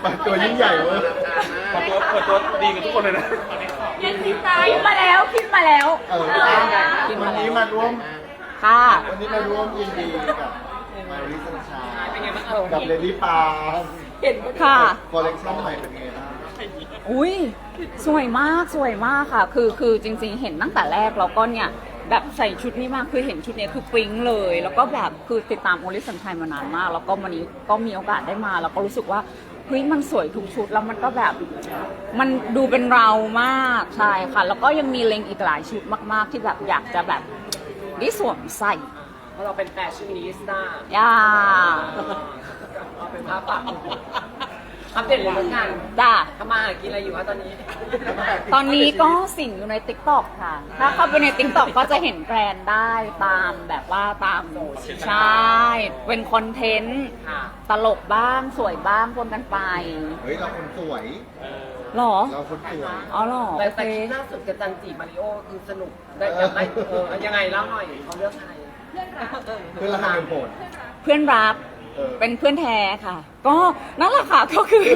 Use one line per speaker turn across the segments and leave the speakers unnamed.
ตัวยิ่งใหญ่เว้ย
เปิดตัวดีกันทุกคนเลยนะ
ยังคิดมาแล้วคิดมาแล้ว
วันนี้มาร่วม
ค่ะ
วันนี้มาร่วมยินดีกับมาริสันชากับเลดี้ปา
ค่ะ
คอลเลคชั่นใหม่เป็นไงบ้าง
อุ้ยสวยมากสวยมากค่ะ คือจริงๆเห็นตั้งแต่แรกแล้วก็เนี่ยแบบใส่ชุดนี้มากคือเห็นชุดนี้คือปิ๊งเลย แล้วก็แบบคือติดตามโอลิสันชัยมานานมาก แล้วก็วันนี้ก็มีโอกาสได้มาแล้วก็รู้สึกว่าเฮ้ยมันสวยทุกชุดแล้วมันก็แบบมันดูเป็นเรามากใช่ค่ะ แล้วก็ยังมีเล็งอีกหลายชุดมากๆที่แบบอยากจะแบบได้สวมใส่
เพราะเราเป็นแฟชั่นนิสต้า
ย่า
เราเป็นภาพปักอัปเดตเลยแล้วกัน
จ้า
ทำมาหากินอะไรอยู่คะตอนนี้
ตอนนี้ก็สิ่งอยู่ใน TikTok ค่ะ ถ้าเข้าไปใน TikTok ก็จะเห็นแบรนด์ได้ตามแบบว่าตามใช่ เป็นคอนเทนต์
ค่ะ
ตลกบ้างสวยบ้างปนกันไป
เฮ้ยเราคนสวย
หรอ
เราคนสวย
อ๋อหรอ
แต่
โอ
แต่
เค
คลิปล่าสุดกับจันจีมาริโอคือสนุกได้ยังไงยังไงเล่าหน่อยเขาเลือกใคร
เพื่อนเราทำเป็นโหด
เพื่อนรัก
เออ
เป็นเพื่อนแท้ค่ะ ก็นั่นแหละค่ะก็คือ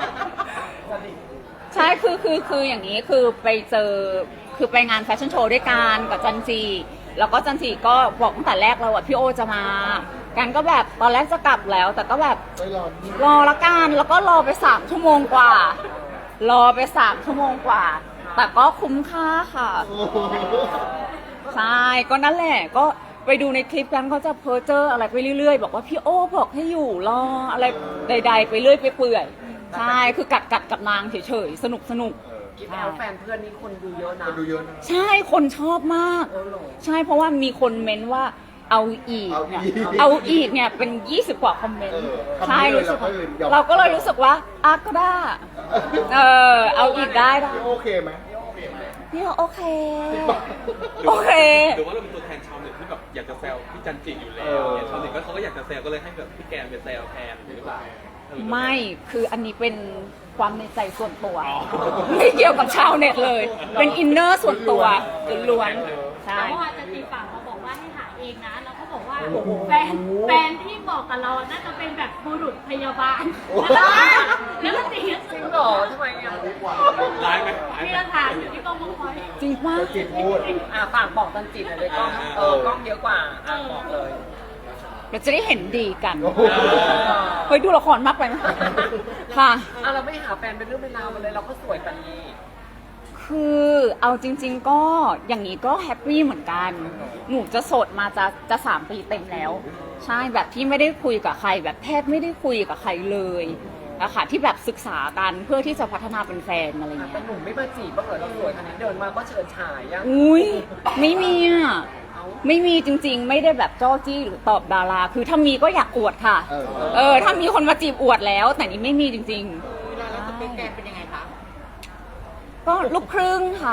ใช่คืออย่างนี้คือไปเจอคือไปงานแฟชั่นโชว์ด้วยกันกับจันจีแล้วก็จันจีก็บอกตั้งแต่แรกแล้วว่าพี่โอจะมากันก็แบบตอนแรกจะกลับแล้ว แต่ก็แบบ
ไม่รอด
รอละกันแล้วก็รอไป3 ชั่วโมงกว่า รอไป3 ชั่วโมงกว่า แต่ก็คุ้มค่าค่ะ
โอ้โห
ใช่ก็นั่นแหละก็ไปดูในคลิปกันเขาจะเพ้อเจออะไรไปเรื่อยๆ บอกว่าพี่โอ้บอกให้อยู่รออะไรใดๆไปเรื่อยไปเปื่อยใช่คือกัดกับนางเฉยๆสนุก
กิฟต์แอลแฟนเพื่อนนี่คนดูเยอะนะ
คนดูเยอะนะ
ใช่คนชอบมาก
เออเหรอ
ใช่เพราะว่ามีคนเม้นว่าเอาอีกเนี่ยเอาอีกเนี่ยเป็น20 กว่าคอมเมนต์ใช่รู้สึกว่าเราก็เลยรู้สึกว่าอ่ะก็ได้เอาอีกได้
โอเคไหม
พี่โอเคโอเค
หรือว่าเราเป็นตัวแทนชาวเน็ตที่แบบอยากจะแซวพี่จันจิอยู่แล้วเนี่ยชาวเน็ตก็เขาก็อยากจะแซวก็เลยให้แบบพี่แกนเป็นแซวแทนหรือเปล่า
ไม่คืออันนี้เป็นความในใจส่วนตัว ไม่เกี่ยวกับชาวเน็ตเลย เป็นอินเนอร์ส่วนตัวล้วนๆใช่
แต่ว่าอาจารย์ตีฝั่งเขาบอกว่าให้หาเองนะ แล้วเขาบอกว่าแฟนที่บอกกับเราน่าจะเป็นแบบบุรุษพยาบาล แล้วก็ตี
จริงเหรอทำไมอ่ะ
ร้ายไหม
มีหลักฐานอยู่ที่กองบังคับ
จริงป่ะ
จิตพูด
ฝากบอกจันจีหน่อยเลยกล้องกล้องเยอะกว่าบอกเลย
เราจะได้เห็นดีกัน
โอ้โห
เฮ้ยดูละครมากไปไหมค่ะ
เราไม่หาแฟนเป็นเรื่องเป็นราวมาเลยเราก็สวยกันนี้
คือเอาจริง ๆ ก็อย่างนี้ก็แฮปปี้เหมือนกัน หนูจะโสดมาจะ3 ปีเต็มแล้ว ใช่แบบที่ไม่ได้คุยกับใคร แบบแทบไม่ได้คุยกับใครเลยอะค่ะที่แบบศึกษากันเพื่อที่จะพัฒนาเป็นแฟนอะไรเงี้
แต่
ย
หนุ่มไม่มาจีบบ้างเหรอเราสวยขนาดนี้เดินมาก็เฉิดฉายอ่ะ
อุ้ยไม่มีอ่ะไม่มีจริง ๆ ไม่ได้แบบจ้อจี้หรือตอบดารา คือถ้ามีก็อยากอวดค่ะ ถ้ามีคนมาจีบอวดแล้ว แต่นี่ไม่มีจริงๆ
แล้วจะเป็นแกเป็นยังไงคะ
ก็ลูกครึ่งค่ะ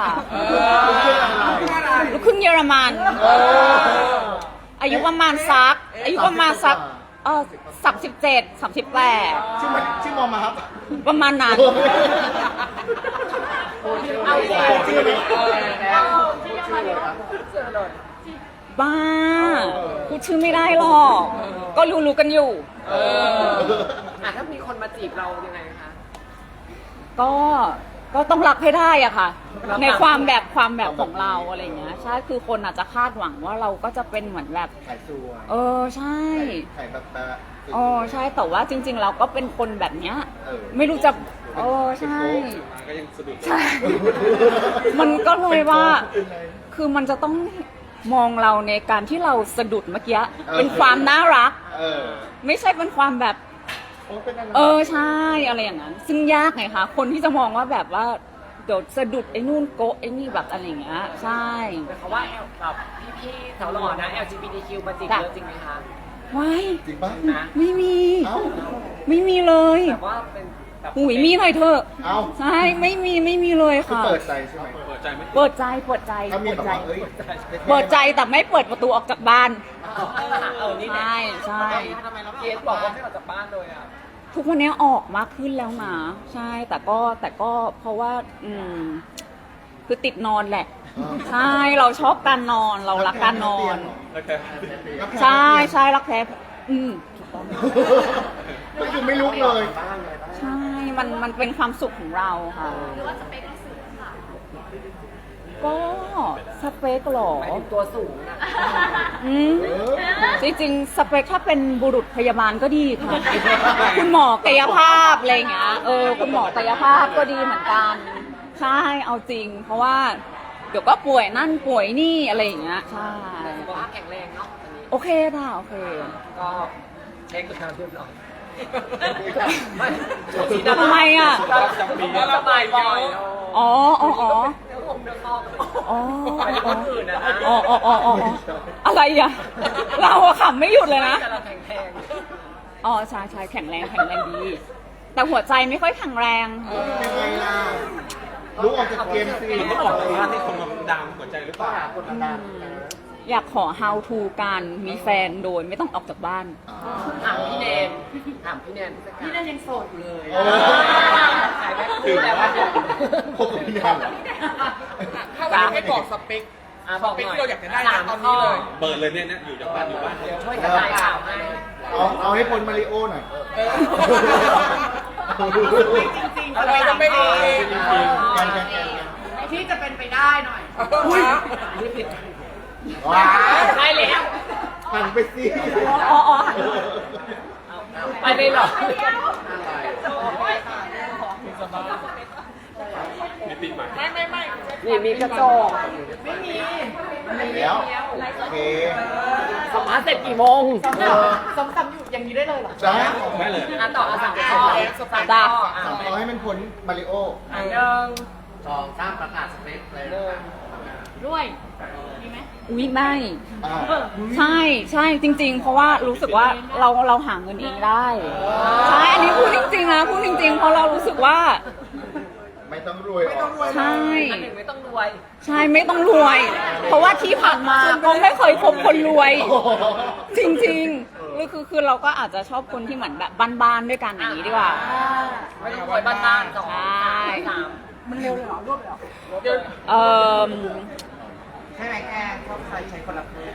ลูกครึ่งเยอรมันอายุประมาณสัก37 38
ชื่อมอมาครับ
ประมาณนั้น
เอาจริง
ชื่อนี้
เจอเลย
บ้าพูดชื่อไม่ได้หรอก ก็รู้กันอยู่
ถ้ามีคนมาจีบเรายังไงคะ
ก็ต้องรักให้ได้อะค่ะ ในความแบบของเราอะไรเงี้ยใช่คือคนอาจจะคาดหวังว่าเราก็จะเป็นเหมือนแบบ
ขายสวย
ใช่
ขายแบบ
ใช่แต่ว่าจริง ๆ เราก็เป็นคนแบบเนี้ย
เออ
ไม่รู้จะใช่
ก็ยังสะดุด
ใช่ มันก็เลยว่า คือมันจะต้องมองเราในการที่เราสะดุดเมื่อกี้เป็นความน่ารัก ไม่ใช่เป็นความแบบ ใช่อะไรอย่างนั้น ซึ่งยากไงคะคนที่จะมองว่าแบบว่าเดี๋ยวสะดุดไอ้นู่นโกะไอ้นี่แบบอะไรอย่างเงี้ยใช่
แต่เขาว่าแบบพี่ๆสาวหล่อนะ LGBTQ มาจีบเยอะจริงไหมคะ
ว้าย
จริงป่ะ
นะ
ไม่มี
เอ้า
ไม่มีเลย
แบบว่าเป็นแบบ
หุยมีหน่อยเถอะ
เอ้า
ใช่ไม่มีเลย
คือ
ค่ะ
เปิดใจใช่ไหม
เปิดใจไหม
เปิดใจ
ถ้ามี
เปิด
แบบ
ใจ
ว่าเอ้ย
เปิดใจแต่ไม่เปิดประตูออกจากบ้าน
นี่
ใช่ใช่
เกสบอกว่าไม่ออกจากบ้านเลยอ่ะ
ทุกวันนี้ออกมากขึ้นแล้วนะใช่แต่ก็เพราะว่าคือติดนอนแหละ ใช่เราชอบการนอนเรารักการนอน
โอเค
ใช่รักแท้ถูกต้อง
ก็คือไม่ลุกเลย
ใช่มันเป็นความสุขของเราค่ะ
หรือว่าสเปคเราสูงค่ะ
ก็สเปคเหรอ
หมายถึงตัวสูงนะ
อืมจริงๆสเปคถ้าเป็นบุรุษพยาบาลก็ดีค่ะ คุณหมอกายภาพอะไรอย่างเงี้ยคุณหมอกายภาพก็ดีเหมือนกันใช่เอาจริง เพราะว่าเดี๋ยวก็ป่วยนั่นป่วยนี่อะไรอย่างเงี้ยใช่
สุขภาพแข็งแรงเนาะอันนี้
โอเคค่ะโอเค
ก็เช็คกับทางเรียบร้อย
ทำไมอ่ะ
ก็ระบายบ่อย
อ๋ออ๋ออ๋อ
เนื้อผมเนื้อคอก
อ๋อ
ไปที่คนอื่นนะนะ
อ๋ออ๋ออ๋ออ๋ออะไรอ่ะ เราอะขำไม่หยุดเลยนะ
แต่เราแข็งแรง
อ๋อใช่ใช่แข็งแรงดี แต่หัวใจไม่ค่อยแข็งแรง
ยังไงล่ะรู้ออกจากเกมสิ
มันต้องออกจากบ้านให้คนมาดามหัวใจหรือเปล่า
คนดัง
อยากขอ how to การมีแฟนโดยไม่ต้องออกจากบ้าน
ถามพี่แนนพี่แนนยังโสดอยู่เลย ขายแม่
ถึ
คู่
ง
แล้ว
ว่าพบกับพี่แนนเหรอ
ถ้าวันนี้ให้บอกสเปค
บอก
เป็น
หน่อย
ที่เราอยากจะได้นะตอนนี้เลย
เปิดเลยเนี่ยอยู่จากบ้านอยู่บ้าน
เดี๋ยวช่วยกระจายข่าวให้
เอาให้พ้นมาริโอหน่อย
จริงๆสเปคจะไม่ดี
กัน
ที่จะเป็นไปได้หน่อย
นี่ผิด
ว้า
ได้แล้ว
หันไปสิ
อ๋ออ๋อ
ไปเลยเหรอ
มีปีใหม่
นี่มีกระจก
แล้วโอเค
สัมภาษณ์เสร็จกี่โมง
ซ้ำๆอยู่อย่างนี้ได้เลยเหรอ
จ้า
ได้เลย
ต่อสั่งข้อ
ได้
สั่งขอให้มันพ้นมาริโอ
ด้วยมีไหม
อุ๊ยไม่
อ่า
ใช่ใช่จริง ๆ เพราะว่ารู้สึกว่าเราหาเงินเองได้ใช่อันนี้พูดจริงๆนะพูดจริง ๆ เพราะเรารู้สึกว่า
ไม่ต้องรวยออก
ใช่
อันหนึ่งไม่ต้องรวย
ใช่ไม่ต้องรวย เพราะว่าที่ผ่านมาก็ไม่เคยคบคนรวย
โอ้โห
จริงๆคือเราก็อาจจะชอบคนที่เหมือนแบบบ้านๆด้วยกันอย่างนี้ดีกว่า
ไม่ต้องรวยบ้านๆสอง
ใช่
สาม
มันเร็วเลยเหรอรวบเลยเหรอ
เอ่อ
ใช่ไหมแกชอบใครใช้คนละเพศ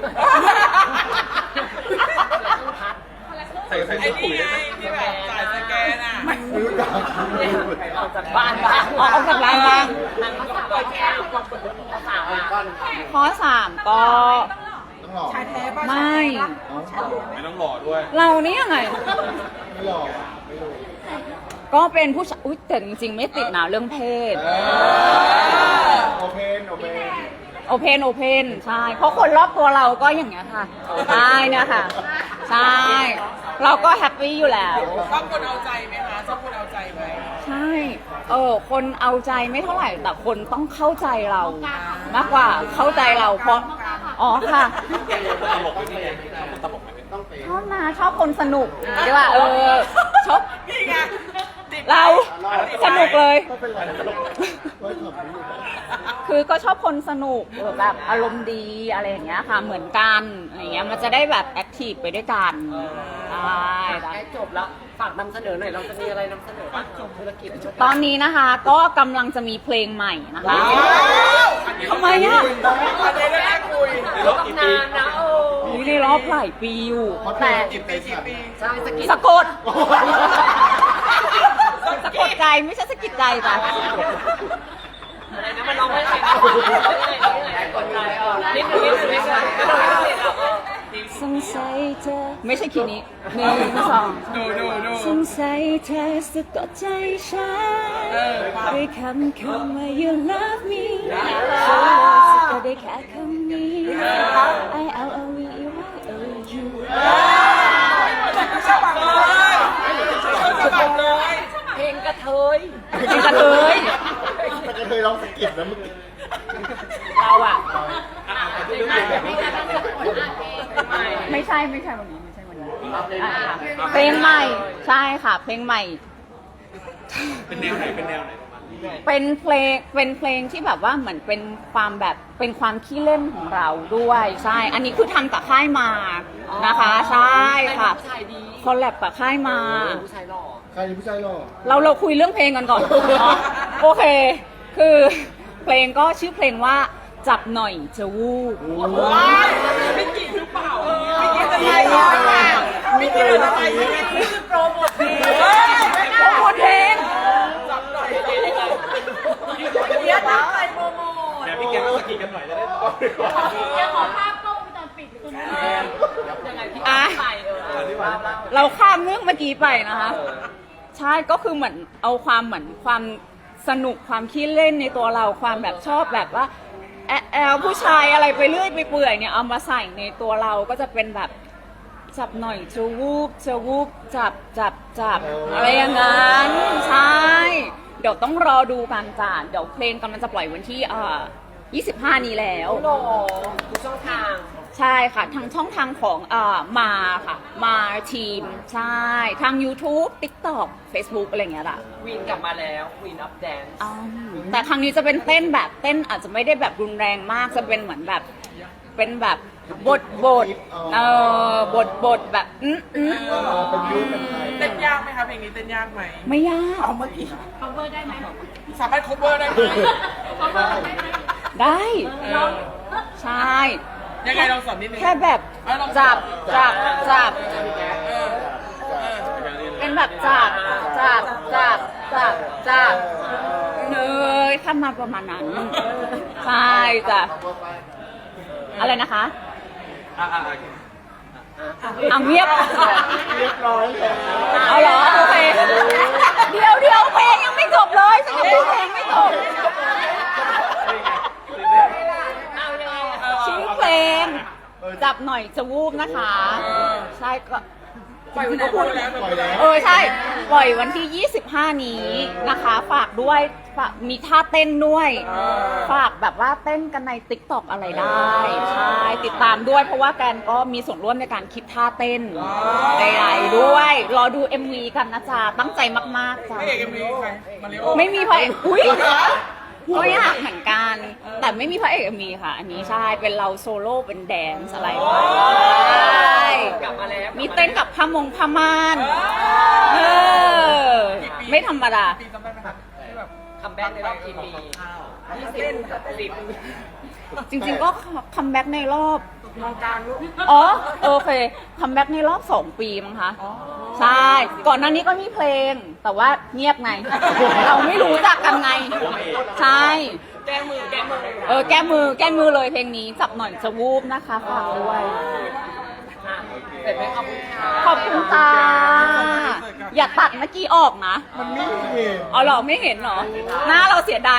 ใส่ปุ๋ยได้ไหม
ที่แบบจ่ายสแกนอ่ะ
ไม่รู้จัก
ออกจากบ้านบ้าง
ออกจากร้านบ้าง
นางก็สาวแก้วก็สาวอ่ะ
ข้อ3ก็
ต้องหลอก
ชายแท้ป่ะ
ไม่
ไม่ต้องหล่อด้วย
เรานี่ยังไง
ไม่หลอกไม่รู้
ก็เป็นผู้ชายอุ๊ยแต่จริงๆ ไม่ติดนะเรื่องเพศ
โอเพนโอเพน
โอเพนใช่ เพราะคนรอบตัวเราก็อย่างเงี้ยค่ะใช่เนี่ยค่ะ ใช่ เราก็แฮปปี้อยู่แล้ว
ชอบคนเอาใจไหมคะชอบคนเอาใจไหม
ใช่ คนเอาใจไม่เท่าไหร่ แต่คนต้องเข้าใจเรา มากกว่าเข้าใจเราเพราะ อ๋อค่ะ
ตลกไหมพี่แกชอบคนตลกไหม
ชอบนะชอบคนสนุกดีกว่าชอบ
นี่ไง
เราสนุกเลย
ก็เป็นไรตลกไว้ขอบคุณ
คือก็ชอบคนสนุกแบบอารมณ์ดีอะไรอย่างเงี้ยค่ะเหมือนกันอะไรเงี้ยมันจะได้แบบแอคทีฟไปด้วยกันใช่
ใกล้จบแล้วฝากนำเสนอหน่อยเราจะมีอะไรนำเสนอบ้างธุรกิจ
ตอนนี้นะคะก็กำลังจะมีเพลงใหม่นะคะทำไมอ่ะ
ประเด็นแรกคุย
ในรอบกี่ปี
นานนะโอ้
นี่ในรอบหลายปีอยู่
เพราะเธ
แต่
อจิตใจสั่น
ใช่สกิน
สะกดสะกดใจไม่ใช่สะกิดใจจ้ะ
อะไรนะมันร้องไม่ได้กดใจนิดนึง
สงสัยเธอไม่ใช่คีย์นี้1 2
ดู
สงสัยเธอสะกดใจฉันด้วยคำว่า you love me ฉันสะกดได้แค่คำนี้ I L O V E Y O U
ชอบแบบเลยชอบแบบเลย
เพลงกระเทย
เพลงกระเทย
แต่ก็เคยร้องสะกิดนะเมื่อกี้
เราอะ
ไม่ใช่วันนี้ไม่ใช่วันนี้เพลงใหม่ใช่ค่ะเพลงใหม่
เป็นแนวไหนประมาณนี้
เป็นเพลงที่แบบว่าเหมือนเป็นความแบบเป็นความขี้เล่นของเราด้วยใช่อันนี้คือทำกับค่ายมานะคะใช่ค่ะ
ผู้ชายดี
คอลแลบกับค่ายมา
ผู้ชายหล่อ
ใครผู้ชายหล่อ
เราคุยเรื่องเพลงกันก่อน โอเค คือเพลงก็ชื่อเพลงว่าจับหน่อยจะวูบ
ไม่กี่หรือเปล่าไม่กี่จะอะไรไม่กี่อะไรโปรโมทเพลง
โปรโมทเพลงเราข้ามเรื่องเมื่อกี้ไปนะคะ ใช่ก็คือเหมือนเอาความเหมือนความสนุกความขี้เล่นในตัวเราความแบบชอบแบบว่าแอลผู้ชายอะไรไปเรื่อยไปเปื่อยเนี่ยเอามาใส่ในตัวเราก็จะเป็นแบบจับหน่อยจะวูบจับอะไรอย่างนั้นใช่เดี๋ยวต้องรอดูกันจ้ะเดี๋ยวเพลงกำลังจะปล่อยวันที่25 นี้แล้ว
โอ้โหทุกช่องทาง
ใช่ค่ะทางช่องทางของมาค่ะมาทีมใช่ทาง YouTube TikTok Facebook อะไรอย่างเงี้ยล่ะ
วินกลับมาแล้ววินอัพแดนซ์
แต่ครั้งนี้จะเป็นเต้นแบบเต้นอาจจะไม่ได้แบบรุนแรงมากจะเป็นเหมือนแบบเป็นแบบบทแบบ
เป็นยูเป็นไทย
เต้นยากไหมคะเพลงนี้เต้นยากไหม
ไม่ยาก
เอาเมื่อกี้
cover ได้ไหม
สามารถ cover ได้ไหม
cover ได้ไหม
ได้
ลอง
ใช่
ยังไงลองสอนนิดนึง
แค่แบบ
เอาลอง
จับ
เออเออ
เป็นแบบจับเนยข้ามมาประมาณนั้นใช่จ้ะอะไรนะคะเอาเงียบ
เรียบร้อยแล้ว
เอาเหรอโอเคเดี๋ยวเพลงยังไม่จบเลยฉันยังพูดเพลงไม่จบชื่อเพลงจับหน่อยจะวูบนะคะใช่ก็
ปล่อยวันนี้พูดแล้ว
ปล่อยแล้ว
ใช่ปล่อยวันที่ 25 นี้นะคะฝากด้วยฝากมีท่าเต้นด้วยฝากแบบว่าเต้นกันใน TikTok อะไรได้ใช่ติดตามด้วยเพราะว่าแกนก็มีส่วนร่วมในการคิดท่าเต้นใดๆด้วยรอดู MV กันนะจ๊ะตั้งใจมากๆจ้ะ
ไม่เอกมีใครมาริโอ
ไม่มีพระเอกอุ้ยก็อยากเหมือนกัน แต่ไม่มีพระเอกมีค่ะ อันนี้ใช่เป็นเราโซโล่เป็นแดนซ์อะไรไปใช่
กลับมาแล้ว
มีเต้นกับพมงพม่านไม่ธรรมดา
ปีจำได้ไหมครับที่แบบ
คัมแบ็กในรอบกี่ปี20
จริงๆก็คัมแบ็กในรอบ
มองกลางลูก
อ๋อโอเคคัมแบ็กในรอบ 2 ปีมั้งคะใช่ ก่อนหน้านี้ก็มีเพลง แต่ว่าเงียบไง เราไม่รู้จักกันไง ใช่
แก้มือ
แก้มือเลยเพลงนี้จับหน่อยจะวูบนะคะฝากด้วย
เสร็จไหมขอบคุณค่ะ
ขอบคุณจ้าอย่าตัดเมื่อกี้ออกนะ
มันไม่เห็น
อ๋อเหรอไม่เห็นเหรอ หน้าเราเสียดาย